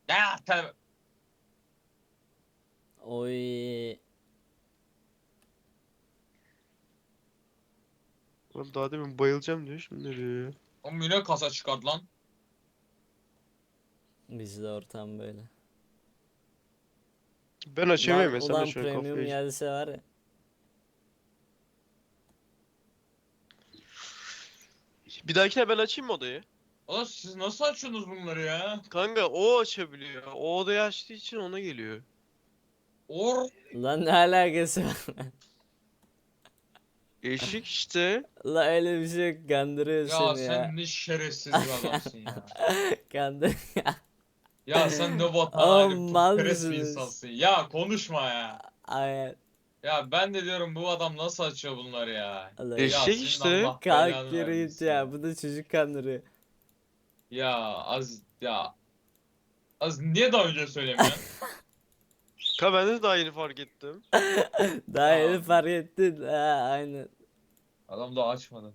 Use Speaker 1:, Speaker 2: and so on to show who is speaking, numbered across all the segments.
Speaker 1: Ya tabii.
Speaker 2: Oy.
Speaker 3: Lan daha demin bayılacağım diyor, şimdi ne diyor ya?
Speaker 1: O müne kasa çıkardı lan.
Speaker 2: Bizde ortam böyle.
Speaker 3: Ben açamıyorum ya, sen
Speaker 2: Ulan
Speaker 3: aç,
Speaker 2: premium
Speaker 3: kafayı.
Speaker 2: gelse var ya.
Speaker 3: Bir dahakine ben açayım mı odayı?
Speaker 1: Oğlum siz nasıl açıyorsunuz bunları ya?
Speaker 3: Kanka o açabiliyor. O odayı açtığı için ona geliyor.
Speaker 1: Or.
Speaker 2: Lan ne alakası var?
Speaker 3: Eşik işte.
Speaker 2: La öyle bir şey yok. Kandırıyor
Speaker 1: Ya
Speaker 2: seni ya.
Speaker 1: sen ne şerefsiz bir adamsın ya.
Speaker 2: Kandır.
Speaker 1: Ya sen ne vatan
Speaker 2: Oğlum
Speaker 1: haini
Speaker 2: mal
Speaker 1: putperest bir
Speaker 2: mısınız?
Speaker 1: insansın. Ya konuşma ya.
Speaker 2: Ay,
Speaker 1: Ya ben de diyorum bu adam nasıl açıyor bunları ya.
Speaker 2: Allah.
Speaker 1: Ya
Speaker 3: Eşek
Speaker 1: senin
Speaker 3: işte.
Speaker 1: Allah
Speaker 2: Kalk
Speaker 1: belanı
Speaker 2: yürü git
Speaker 1: vermesin
Speaker 2: ya.
Speaker 1: ya.
Speaker 2: Bu da çocuk kandırıyor.
Speaker 1: Ya az niye daha önce söylemiyorsun?
Speaker 3: Ka ben de daha yeni fark ettim.
Speaker 2: Daha yeni
Speaker 1: Ya
Speaker 2: fark ettin. Ha, aynen.
Speaker 1: adam da açmadı.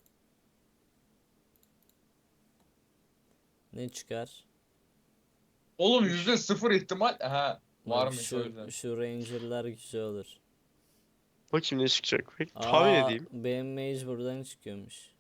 Speaker 2: Ne çıkar?
Speaker 1: Oğlum
Speaker 3: Eş-
Speaker 1: %0 ihtimal. Ha
Speaker 2: Bak
Speaker 1: varmış o yüzden.
Speaker 2: şu Ranger'lar güzel olur.
Speaker 3: Bakayım ne çıkacak. Peki tahmin
Speaker 2: Aa,
Speaker 3: edeyim.
Speaker 2: benim mage buradan çıkıyormuş.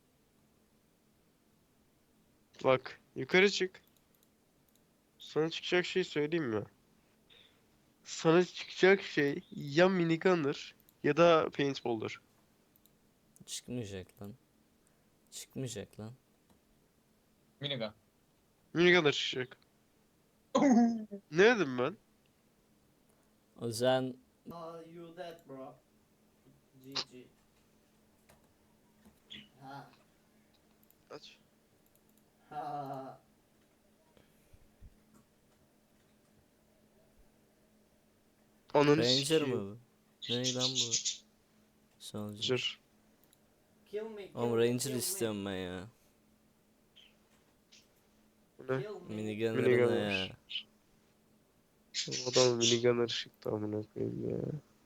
Speaker 3: Bak yukarı çık. Sana çıkacak şey söyleyeyim mi? Sana çıkacak şey ya minigunner ya da paintball'dır.
Speaker 2: Çıkmayacak lan. Çıkmayacak lan.
Speaker 1: Minigun.
Speaker 3: Minigunner çıkacak. Ne dedim ben?
Speaker 2: O zaman
Speaker 4: You dead, bro. GG. Ha
Speaker 3: Aç.
Speaker 4: ha.
Speaker 3: Ananı
Speaker 2: Ranger
Speaker 3: sikeyim.
Speaker 2: mı bu? Ne lan bu? Soldier.
Speaker 3: Ranger.
Speaker 4: Kill me, kill
Speaker 2: Oğlum
Speaker 4: me,
Speaker 2: Ranger
Speaker 4: kill me.
Speaker 2: istiyorum ben ya.
Speaker 3: Bu ne?
Speaker 4: Kill me.
Speaker 2: Minigunner ne ya?
Speaker 3: Minigunner. Adam minigunner çıktı amına koyayım ya.